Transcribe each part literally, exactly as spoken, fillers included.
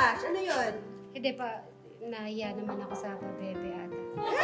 crush? Ano yun? Hindi pa, nahiya naman ako sa bebe ata.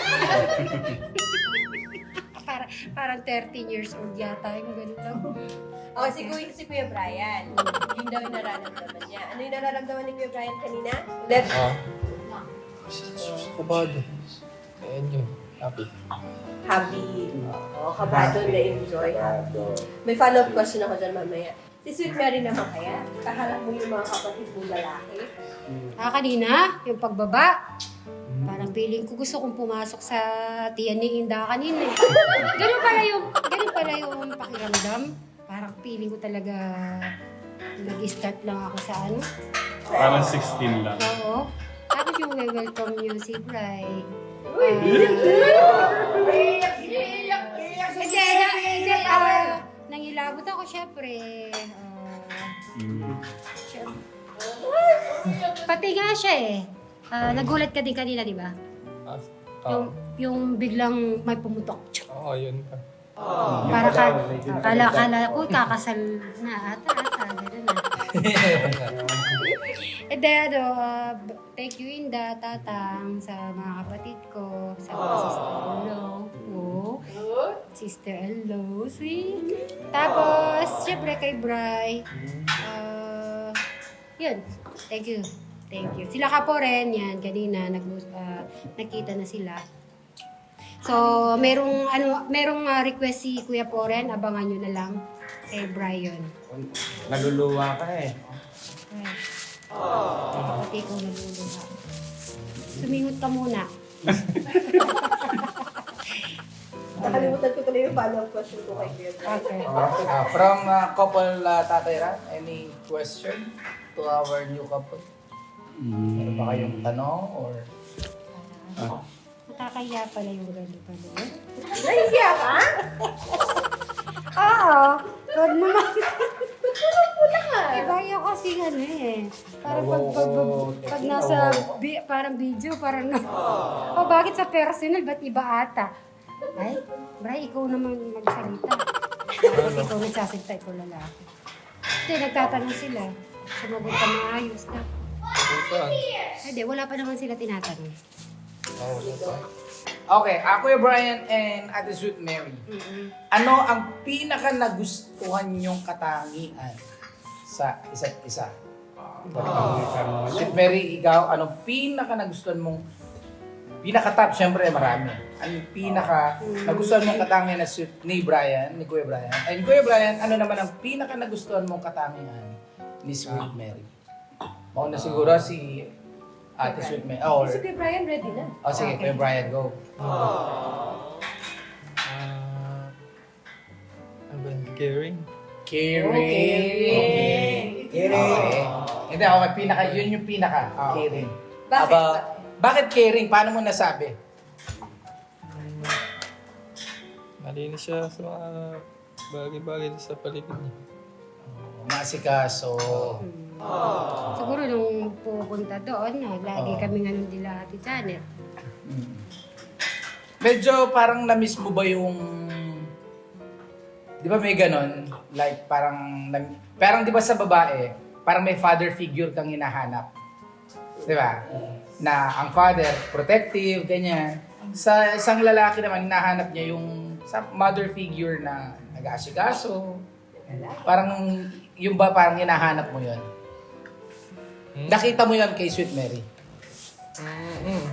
Para, parang thirteen years old yata, yung gano'n lang. Oh, si Kuya, si Kuya Brian. Yun daw yung nararamdaman niya. Ano yung nararamdaman ni Kuya Brian kanina? Ulit. Ah. Kabado. Ayan yun. Happy. Happy. Oo, kabado na-enjoy. May follow-up question ako dyan mamaya. Si Sweet Mary naman kaya? Kaharap mo yung mga kapatid mong lalaki? Ah, kanina, yung pagbaba, parang feeling ko gusto kong pumasok sa tiyan ni Inda kanina. eh. Ganun pala yung, ganun pala yung pakiramdam. Parang feeling ko talaga nag-start lang ako sa ano. Parang sixteen lang. Oo. Tapos yung welcome niyo si Bri. Uy! Hindi, na- hindi, ah, nangilabot ako syempre. Ah, Mm. syempre. Pati nga siya eh. Ah, nagulat ka din kanina, di ba? Ah. Yung, yung biglang may pumutok. Oo, yun ka. Para ka, kala, kala ko kakasal na ata, ata, gano'n na. Eh, de, ano, uh, thank you Inda, Tatang, sa mga kapatid ko, sa mga sister-in-law ko. Sister-in-law, sweet. Tapos, syempre kay Bri. Uh, yun, thank you. Thank you. Sila ka po rin, yan, kanina, nag, uh, nakita na sila. So, merong ano, merong uh, request si Kuya Poren, abangan nyo na lang kay Brian. Naluluwa ka eh. Right. Oh. Pati ko naluluha. Sumingot ka muna. Nakalimutan ko tuloy yung follow-up question ko kay Kuya Brian. Okay. Ah, from uh, couple uh, Tatay Ran, any question to our new couple? Meron ba kayong tanong or... Ah. Nakakaya pala yung gano'n pala. Nahihiya ka? Oo. Huwag naman. Pula ka. Iba yung kasi ano eh. Parang pag, pag, pag, pag nasa bi, parang video, parang no. Oh, bakit sa personal? Ba't iba ata? Ay, Bray, ikaw naman magsalita. Bakit ikaw nagsasalita, ikaw lalaki. Hindi, nagtatanong sila. Sumagot ka maayos na. Saan? Hindi, wala pa naman sila tinatanong. Oo, wala pa. Okay, ako yung Brian and Ate Sweet Mary. Mm-mm. Ano ang pinaka nagustuhan nyong katangian sa isa't isa? Sweet Mary, ikaw, ano pinaka nagustuhan mong pinaka-top, syempre marami. Ano yung pinaka nagustuhan mong katangian na Sweet ni Brian, ni Kuya Brian? And Kuya Brian, ano naman ang pinaka nagustuhan mong katangian ni Sweet Mary? Mauna siguro si Ate Sweet Mary. Oh, Si Kuya Brian ready na. oh sige, Kuya Brian, go. Ah, ano ba yun? Caring? Caring. Caring. Hindi, okay, pinaka, yun yung pinaka, caring. Bakit? Aba, bakit caring? Paano mo nasabi? Malinis siya sa mga bagay-bagay sa paligid niya. Masikaso. Siguro nung pupunta doon, no, lagi Oo. kami nga nung dila Ate Janet. Mm. Medyo parang na-miss mo ba yung... Di ba may ganon? Like parang... nam- Parang di ba sa babae, parang may father figure kang hinahanap. Di ba? Na ang father, protective, ganyan. Sa isang lalaki naman, hinahanap niya yung sa mother figure na nag-aasikaso. Parang, yung ba parang hinahanap mo yun? Hmm? Nakita mo yun kay Sweet Mary? Mm-hmm.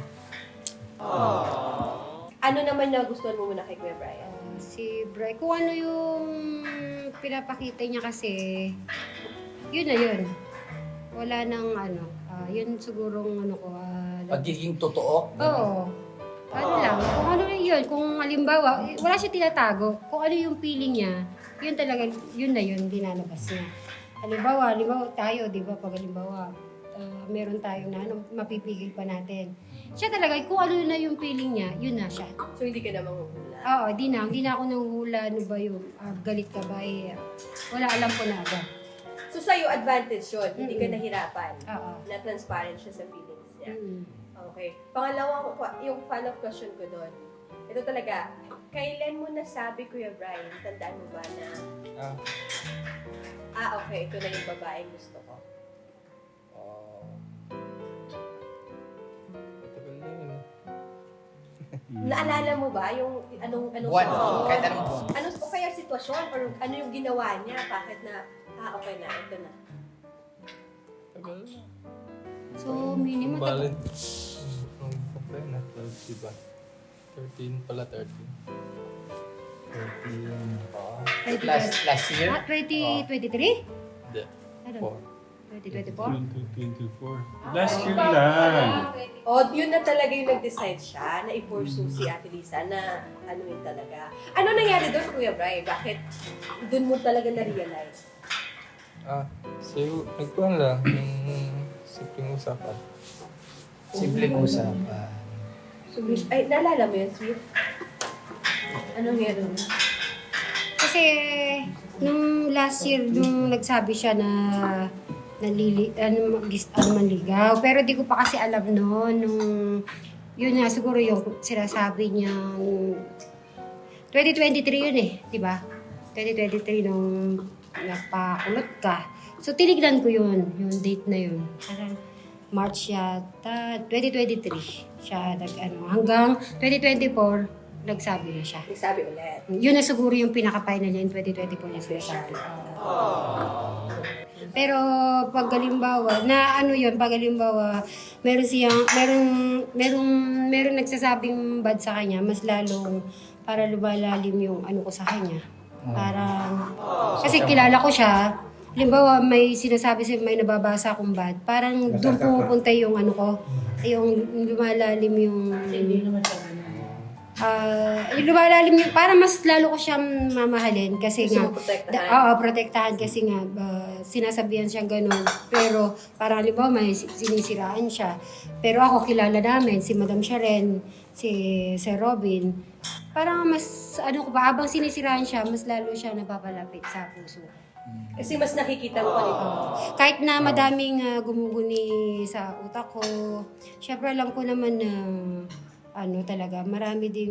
Ano naman na gustuhan mo muna kay Kuya Brian? Ah, si Bray, kung ano yung pinapakita niya kasi, yun na yun. Wala nang ano, ah, yun sigurong ano ko, ah, Pagiging totoo? oo. Ano lang, kung ano na yun, kung halimbawa, eh, wala siya tinatago, kung ano yung feeling niya, yun talaga, yun na yun, dinalabas niya. Halimbawa, halimbawa tayo, di ba, pag halimbawa, ah, meron tayong na, ano, mapipigil pa natin. Siya talaga, kung ano na yung feeling niya, yun na siya. So hindi ka na manghuhula. Oo, di na, hindi na ako nanguhula, ano ba yung ah, galit ka ba, eh, wala, alam ko na agad. So sa'yo, advantage yun. Hindi ka Mm-mm. nahirapan. Oo. Na transparent siya sa feelings niya. Mm. Okay. Pangalawa, ko- yung follow-up question ko doon. Ito talaga, kailan mo nasabi, Kuya Brian, tandaan mo ba na, Ah, ah, okay, ito na yung babaeng gusto ko. oh. Naalala mo ba yung anong anong Buwan, sitwasyon? kahit anong buwan. Ano o kaya sitwasyon or ano yung ginawa niya? Bakit na ah okay na ito na. Tagal na. So, minimum. Bali, nung okay na, twelve, diba? thirteen pala, thirteen. thirteen pa. Last, last year? Ah, twenty twenty-three? Hindi. Ano? Four. twenty twenty-four? twenty twenty-four. Last year lang. O, yun na talaga yung nag-decide siya na i-pursue si Ate Lisa na ano yun talaga. Ano nangyari doon, Kuya Bri? Bakit doon mo talaga na-realize? Ah, so, nagkuhan lang. Yung simpleng usapan. Simpleng usapan. So, ay, naalala mo yun, Sweet? Anong nangyari doon? Kasi, nung last year, nung nagsabi siya na nalili, ano, gis- ano manligaw. Pero di ko pa kasi alam noon, nung, yun nga, siguro yung sinasabi niya, twenty twenty-three yun eh, di ba? twenty twenty-three nung napakulot ka. So, tinignan ko yun, yung date na yun. Parang March yata, twenty twenty-three siya, nag, ano, hanggang twenty twenty-four, nagsabi na siya. Nagsabi ulit. Yun na siguro yung pinaka-final niya in twenty twenty-four na sinasabi. Pero pag halimbawa, na ano yun, pag halimbawa, meron siyang, merong, merong, merong nagsasabing bad sa kanya, mas lalong para lumalalim yung ano ko sa kanya. Parang, kasi kilala ko siya, halimbawa may sinasabi siya, may nababasa akong bad, parang doon pupunta yung ano ko, yung lumalalim yung... Ah, yung lumalalim yung, para mas lalo ko siyang mamahalin kasi Gusto nga, mo protektahan? da- oo, protektahan kasi nga, ah, sinasabihan siyang ganun. Pero parang halimbawa may si- sinisiraan siya. Pero ako kilala namin, si Madam Sharon, si Sir Robin. Parang mas, ano ko ba, habang sinisiraan siya, mas lalo siya napapalapit sa puso. Kasi mas nakikita mo pa nito. Kahit na madaming ah, gumuguni sa utak ko, syempre alam ko naman na ano talaga, marami ding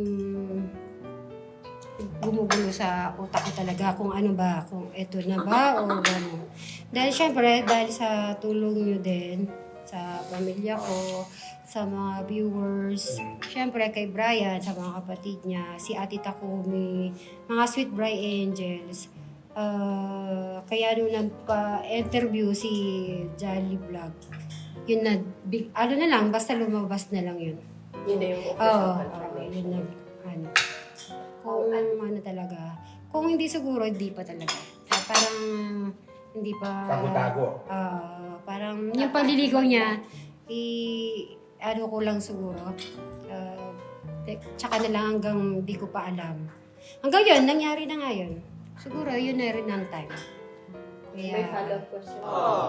gumugulo sa utak ko talaga kung ano ba, kung eto na ba o ano. Dahil syempre, dahil sa tulong nyo din, sa pamilya ko, sa mga viewers, syempre kay Brian, sa mga kapatid niya, si Ate Takumi, mga Sweet Bri Angels. Ah, kaya nung nagpa-interview si Jolly Vlog, yun na, big, ano na lang, basta lumabas na lang yun. Yun na yung Oo, official oh, confirmation. yun na, ano. Kung ano talaga, kung hindi siguro, hindi pa talaga. Ah, parang, hindi pa... Tago-tago. Ah, parang, yung paliligaw niya, i, ano ko lang siguro, ah, te- tsaka na lang hanggang di ko pa alam. Hanggang yun, nangyari na nga yun. Siguro, yun na rin ang time. Kaya, May follow-up question.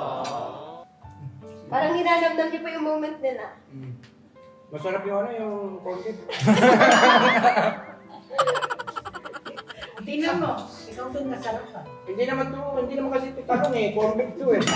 Parang hinanamnam niyo pa yung moment nila. Masarap yung ano, yung corned beef. Tingnan mo, ikaw doon masarap ka. Hindi naman to, hindi naman kasi ito tanong eh, corned beef to eh.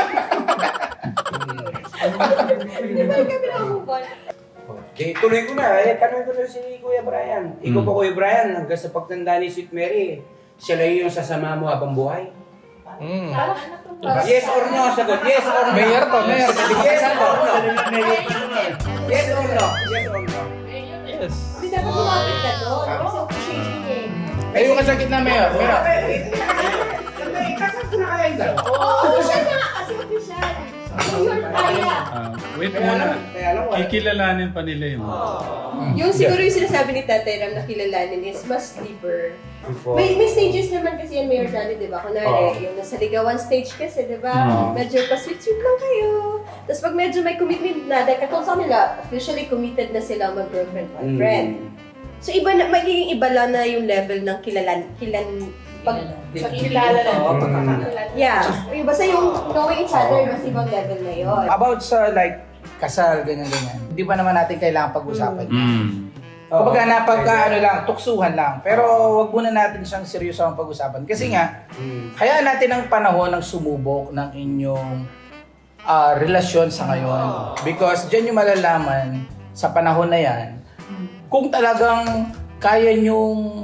Hindi ba kami nakamove on? Okay, tuloy ko na. Eh, tanong ko na si Kuya Brian. Ikaw Hmm. ba Kuya Brian, hanggang sa pagtanda ni Sweet Mary, siya lang yung sasama mo habang buhay? Mm. Yes or no, sagot. Yes or no. Mayor to, mayor. Yes or no. Yes or no. Yes or no. Yes. Hindi dapat lumapit ka doon. Kasi officiating eh. Ay, yung kasakit na mayor. Mayor. Kasal ko na kaya yung dalawa. Oo, official na nga kasi official. Mayor kaya. Ah, wait Kaya lang, muna. kaya lang wala. Kikilalanin pa nila yun. Yung siguro yung sinasabi ni Tatay Ram na kilalanin is mas deeper. Before. May, may stages naman kasi yan, Mayor Johnny, di ba? Kunwari, Oo. yung nasa ligawan stage kasi, di ba? Oo. Medyo pa-sweet-sweet lang kayo. Tapos pag medyo may commitment na, dahil katulad sa kanila, officially committed na sila mag-girlfriend, boyfriend. Mm. So iba na, magiging iba lang na yung level ng kilalan, kilan, pag, Pagkilala na. Oo, yeah. Yung basta yung knowing each other, mas ibang level na yun. About sa like, kasal, ganyan-ganyan. Hindi pa naman natin kailangan pag-usapan. Mm. Kumbaga napagka ano lang, tuksuhan lang. Pero wag muna natin siyang seryoso ang pag-usapan. Kasi nga, Mm. kaya natin ang panahon ng sumubok ng inyong ah, relasyon sa ngayon. Because dyan yung malalaman sa panahon na yan, kung talagang kaya nyong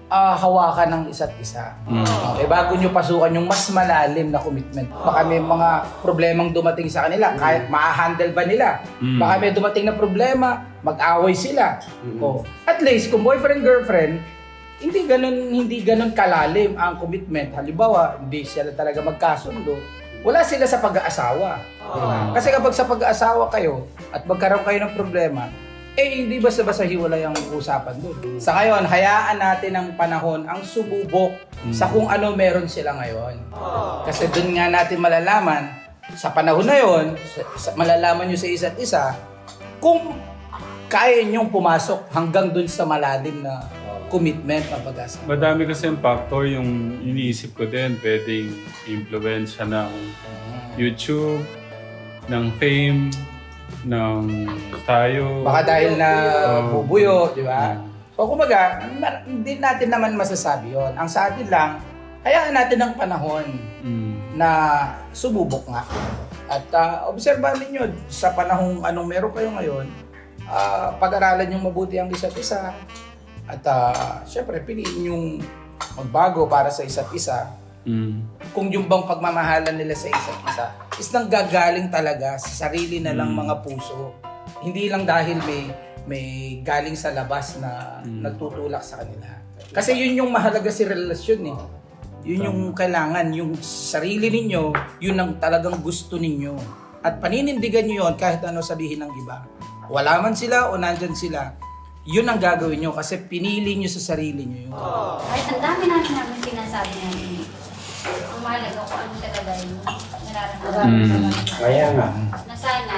ah, hawakan ng isa't isa. Mm. Okay, bago nyo pasukan yung mas malalim na commitment. Baka may mga problemang dumating sa kanila, kahit ma-handle ba nila. Mm. Baka may dumating na problema, mag-away sila. Mm. Oh, at least kung boyfriend girlfriend, hindi ganun hindi ganun kalalim ang commitment. Halimbawa, hindi sila talaga magkasundo. Wala sila sa pag-aasawa. Diba? Kasi kapag sa pag-aasawa kayo at magkaroon kayo ng problema, eh hindi basta-basta hiwalay ang usapan doon. Sa ngayon, hayaan natin ang panahon ang sububok sa kung ano meron sila ngayon. Kasi doon nga natin malalaman, sa panahon na yon, sa, sa, malalaman nyo sa isa't isa, kung kaya nyong pumasok hanggang doon sa malalim na commitment na pag-asa. Madami kasi yung factor yung iniisip ko din. Pwedeng influensya ng YouTube, ng fame, ng tayo. Baka dahil na Oh. bubuyo, di ba? Mm. So kumbaga, ma- hindi natin naman masasabi yon. Ang sa atin lang, hayaan natin ang panahon Mm. na sububok nga. At uh, obserbahan ninyo, sa panahong anong meron kayo ngayon, ah, pag-aralan yung mabuti ang isa't isa. At uh, syempre, piliin yung magbago para sa isa't isa. Mm. Kung yung bang pagmamahalan nila sa isa't isa is nang gagaling talaga sa sarili na lang Mm. mga puso. Hindi lang dahil may may galing sa labas na Mm. nagtutulak sa kanila. Kasi yun yung mahalaga sa relasyon eh. Yun yung kailangan, yung sarili ninyo, yun ang talagang gusto ninyo. At paninindigan nyo yun kahit ano sabihin ng iba. Wala man sila o nandyan sila, yun ang gagawin nyo kasi pinili nyo sa sarili nyo yun. Kahit ang dami namin namin sinasabi namin, ang mahalaga kung ano talaga yung nararamdaman. Mm. Kaya nga. Na sana,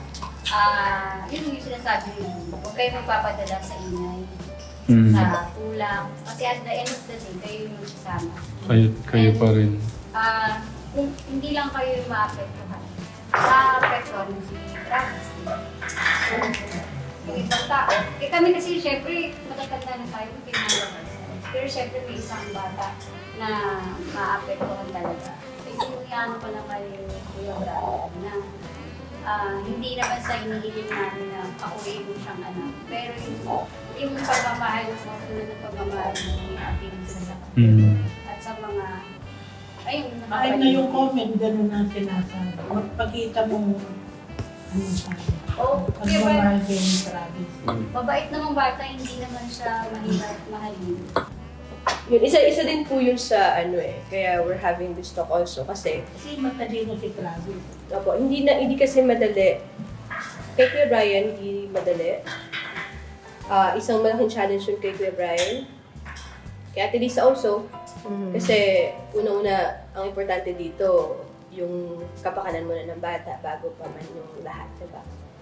ah, yun yung sinasabi yun. Huwag kayo magpapadala sa ingay, Mm. sa kulang. Kasi at the end of the day, kayo yung magsasama. Kayo, kayo pa rin. Ah, kung hindi lang kayo yung maapektuhan, maapektuhan mo si Travis. Yung ibang tao. Eh kami kasi syempre, matatanda na tayo, pinalabas. Pero syempre may isang bata na maapektuhan talaga. Kasi ano ko lang kayo, Kuya Brian, na ah, hindi naman sa inihiling namin na pauwi mo siyang anak. Pero yung, yung pagmamahal mo, tulad ng pagmamahal mo ni Ate Lisa sa kapatid. Mm. At sa mga, ayun, Ay na yung comment, ganun ang sinasabi. Magpakita mo ano sabi. Oh, Pag kaya ba, mamahal kayo ni Travis. mabait namang bata, hindi naman siya mahirap mahalin. Yun, isa-isa din po yun sa ano eh. Kaya we're having this talk also kasi Kasi matalino si Travis. opo, hindi na hindi kasi madali. Kay Kuya Brian, hindi madali. Ah, isang malaking challenge yun kay Kuya Brian. Kay Ate Lisa also. Kasi una-una, ang importante dito, yung kapakanan muna ng bata bago pa man yung lahat, diba?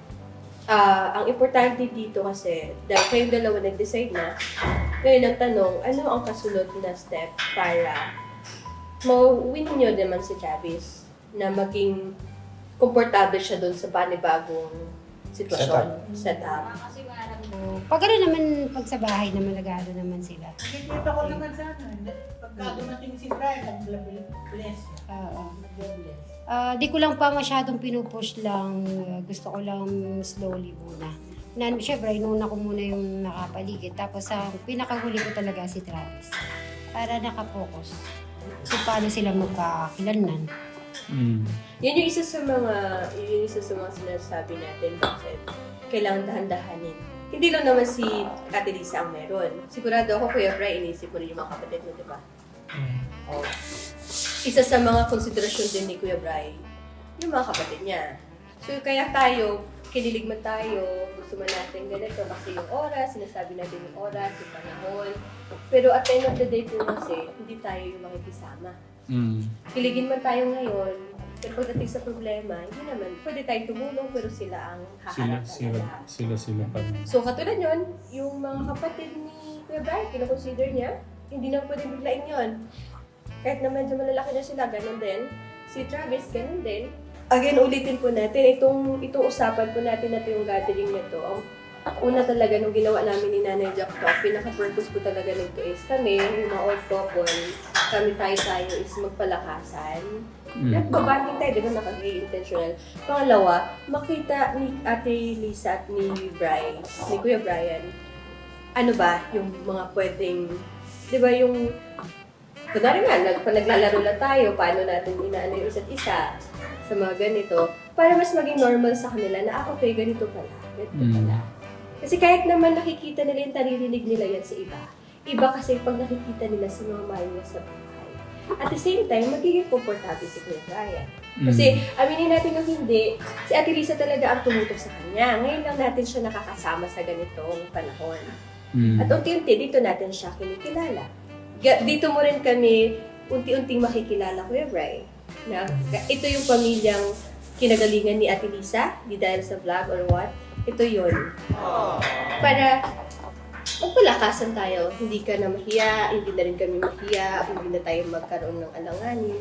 Ah, ang importante dito kasi, dahil kayong dalawa nag-decide na, ngayon ang tanong, ano ang kasunod na step para ma-win nyo naman si Travis na maging komportable siya doon sa panibagong sitwasyon, setup. Ah, kasi marami. Pag ano naman, pag sa bahay naman, nag-ano naman sila. Nakikita ko naman sana. Pagka dumating si Brian, nag-bless siya. Oo. Nag-bless. Ah, di ko lang pa masyadong pinupush lang. Gusto ko lang slowly muna. Na, syempre, inuna ko muna yung nakapaligid. Tapos ang pinakahuli ko talaga si Travis. Para nakapokus. So, paano sila magkakakilanlan? Mm. Yun yung isa sa mga, yun yung isa sa mga sinasabi natin bakit kailangan dahan-dahanin. Hindi lang naman si Ate Lisa ang meron. Sigurado ako, Kuya Bri, inisip mo rin yung mga kapatid mo, di ba? Oh. Isa sa mga konsiderasyon din ni Kuya Bri, yung mga kapatid niya. So, kaya tayo, kinilig man tayo, gusto man natin ganito kasi yung oras, sinasabi natin yung oras, yung panahon. Pero at the end of the day po kasi, hindi tayo yung makikisama. Mm. Kiligin man tayo ngayon, pero pagdating sa problema, hindi naman, pwede tayong tumulong pero sila ang Sila, haharap sila, talaga. sila, sila pa rin. So katulad yun, yung mga kapatid ni Kuya Brian, kinoconsider niya, hindi na pwede biglain yun. Kahit na medyo malalaki na sila, ganun din. Si Travis, ganun din. Again, ulitin po natin, itong, itong usapan po natin na ito yung gathering nito. Ang una talaga nung ginawa namin ni Nanay Jack Talk, pinaka-purpose po talaga nito is kami, yung mga old couple, kami tayo-tayo is magpalakasan. Mm. Nagbabanding tayo, di ba, nakag-intentional. Pangalawa, makita ni Ate Lisa at ni Brian, ni Kuya Brian, ano ba yung mga pwedeng Di ba yung, kunwari nga, nag, pag naglalaro lang tayo, paano natin inaano yung isa't isa sa mga ganito, para mas maging normal sa kanila na, ah, okay, ganito pala, ganito Mm. pala. Kasi kahit naman nakikita nila yung naririnig nila yan sa iba, iba kasi pag nakikita nila sa mga mahal nila sa buhay. At the same time, magiging komportable si Kuya Brian. Kasi, aminin natin yung hindi, si Ate Lisa talaga ang tumutok sa kanya. Ngayon lang natin siya nakakasama sa ganitong panahon. Mm. At unti-unti, dito natin siya kinikilala. Ga- Dito mo rin kami unti-unting makikilala, Kuya Bri, na ito yung pamilyang kinagalingan ni Ate Lisa, di dahil sa vlog or what. Ito yun. Para magpalakasan tayo. Hindi ka na mahiya, hindi na rin kami mahiya, hindi na tayo magkaroon ng alanganin.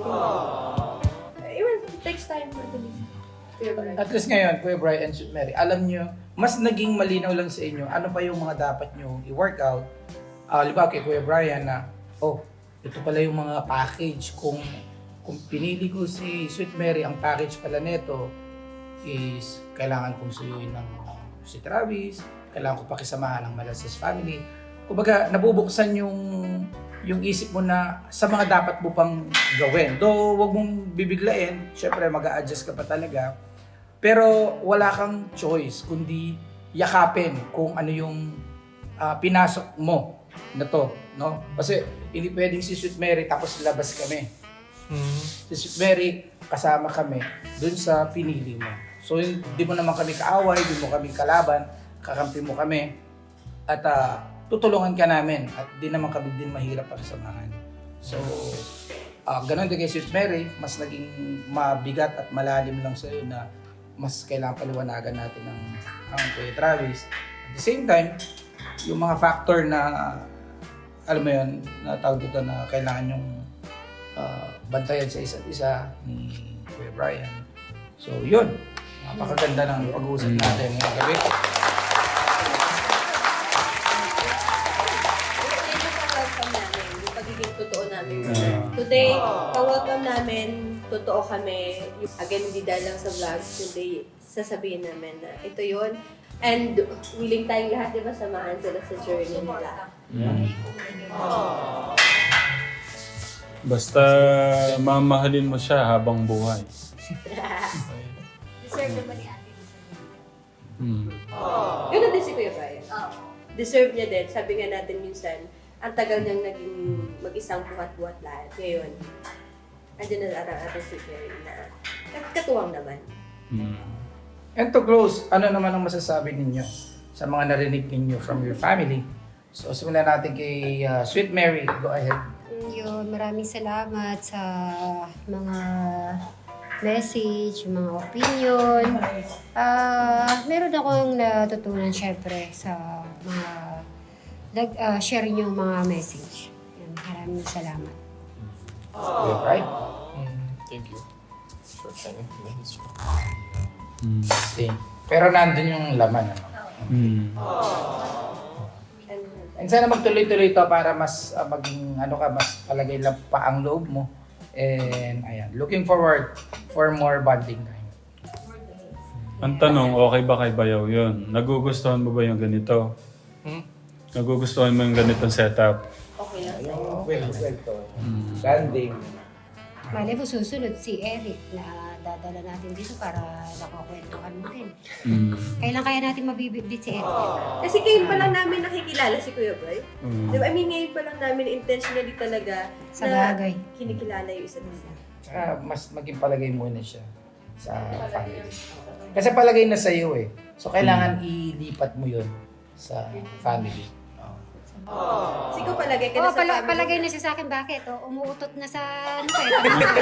Ewan, it takes time for Ate Lisa. Kuya Bri. At least ngayon, Kuya Brian and Sweet Mary, alam nyo, mas naging malinaw lang sa inyo ano pa yung mga dapat nyo i-workout. Uh, Liba kay Kuya Brian na, oh, ito pala yung mga package. Kung kung pinili ko si Sweet Mary, ang package pala nito is kailangan kong suyuin ng si Travis, kailangan ko pakisamahan ng Malasas family. Kumbaga, nabubuksan yung yung isip mo na sa mga dapat mo pang gawin. Though, wag mong bibiglain, syempre mag-a-adjust ka pa talaga. Pero wala kang choice kundi yakapin kung ano yung ah, pinasok mo na to, no? Kasi hindi pwedeng si Sweet Mary tapos labas kami. Mm. Si Sweet Mary, kasama kami dun sa pinili mo. So, hindi mo naman kami kaaway, hindi mo kami kalaban, kakampi mo kami, at ah, tutulungan ka namin, at di naman kami din mahirap pakisamahan. So, ah, ganun din kay Sweet Mary, mas naging mabigat at malalim lang sa'yo na mas kailangan paliwanagan natin ng ang Kuya Travis. At the same time, yung mga factor na, alam mo yun, na tawag dito na kailangan yung ah, bantayan sa isa't isa ni Kuya Brian. So, yun. Napakaganda ng pag-uusap natin ngayong gabi. Ito yung welcome namin, yung pagiging totoo namin. Ah. Today, pa-welcome namin, totoo kami. Again, hindi dahil lang sa vlogs, kundi sasabihin namin na ito yun. And willing tayong lahat, di ba, samahan sila sa journey nila. Mm. Basta mamahalin mo siya habang buhay. Deserve naman ni Ate Lisa. Mm. Ganun din si Kuya Brian. Deserve niya din. Sabi nga natin minsan, ang tagal niyang naging mag-isang buhat-buhat lahat. Ngayon, andyan na ang ating si Mary na kat- katuwang naman. Mm. And to close, ano naman ang masasabi ninyo sa mga narinig ninyo from your family? So, simulan natin kay uh, Sweet Mary. Go ahead. Yun, maraming salamat sa mga message, mga opinion. Ah, meron akong natutunan syempre sa mga nag ah, share niyo mga message. Yan, maraming salamat. Kuya Brian. Mm. Thank you. Short time message. Mm. Okay. Pero nandun yung laman. Ano? Mm. And, And sana magtuloy-tuloy to para mas uh, maging ano ka, mas palagay lang pa ang loob mo. And ayan, looking forward for more bonding time. Ang tanong, okay ba kay Bayaw yun? Nagugustuhan mo ba yung ganito? Hmm? Nagugustuhan mo yung ganitong setup? okay lang sa'yo. Well, well to. Mm. Landing. Malay mo susunod si Eric na dadala natin dito para nakakwentuhan mo din. Mm. Kailan kaya natin mabibitbit si Eric? Kasi ngayon pa lang namin nakikilala si Kuya Brian. Mm. Di ba? I mean, ngayon pa lang namin intentionally talaga Sa bagay. kinikilala yung isa't isa. Saka mas maging palagay muna siya sa family. Kasi palagay na sa iyo eh. So kailangan ilipat mo 'yun sa family. Oh. Kasi ko palagay ka Oo, na sa pala, family palagay mo. na siya sa akin. Bakit? O, umuutot na sa ano kayo?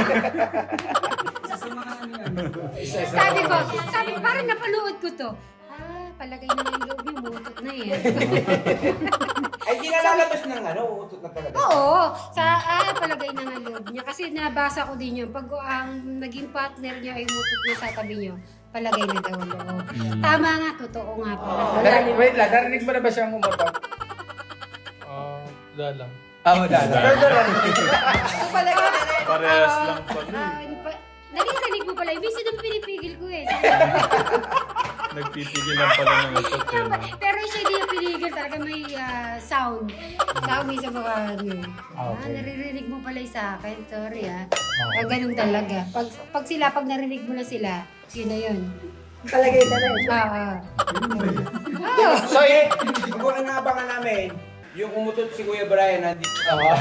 sabi ko, sabi ko, parang napanood ko to. Ah, palagay na yung loob niyo, umuutot na yan. Ay, di na lalabas ng ano, utot na talaga. Oo, sa ah, palagay na ng loob niya. Kasi nabasa ko din yun. Pag ang naging partner niya ay umutot na sa tabi niyo, palagay na daw ang loob. Tama nga, totoo nga pala. Narinig, wait lang, narinig mo na ba siyang umutot? Ah, wala lang. Ah, wala na. Pero narinig. So palagay na rin. Parehas lang pala. Ah, ano pa, narinig mo pala. Ibig sabihin pinipigil ko eh. Nagpipigil lang pala ng ito. Pero siya hindi yung pinigil talaga. talaga may ah, sound. Sabi sa mga ano. Ah, Okay. naririnig mo pala yung sa akin. Sorry ah. Ah, ganun talaga. Pag, pag sila, pag narinig mo na sila, yun na yun. Palagay na rin. Ah, ah. So, eh, kung ang abangan namin, yung umutot si Kuya Brian, nandito. Oo.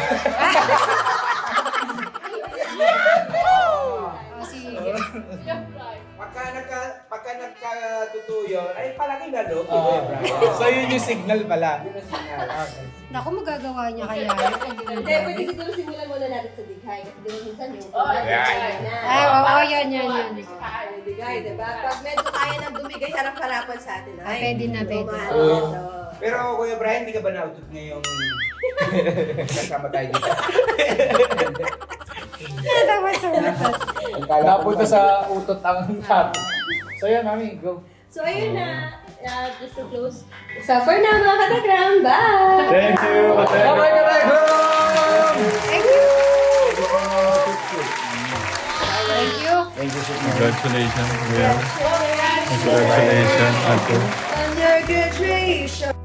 Oh, sige. Pagka, nagka, pagka nagkatutuyo yun, ay palagi na loob, Oo. Kuya Brian. So yun yung signal pala. Yun ang signal. Okay. Naku, magagawa niya kaya. Hindi, pwede siguro simulan muna natin sa dighay. Kasi di ba minsan yung Oh, dighay na. Ah, oo, oh, yan, yan, yan. Ah, yung dighay, diba? Pag medyo kaya nang dumigay, harap-harapan sa atin. Ah, pwede na, pwede. Oo. Pero Kuya Brian, di ka ba nautot ngayong kasama tayo dito? Natawa sa utot. Napunta sa utot ang topic. So yan, mami, go. So, ayun na. Uh, just to close. So, for now, mga katagram, bye! Thank you! Bye-bye, Katekram! Thank you! Thank you. Thank you, Sweet Mary. Congratulations, Will. Congratulations, Ate. On your graduation.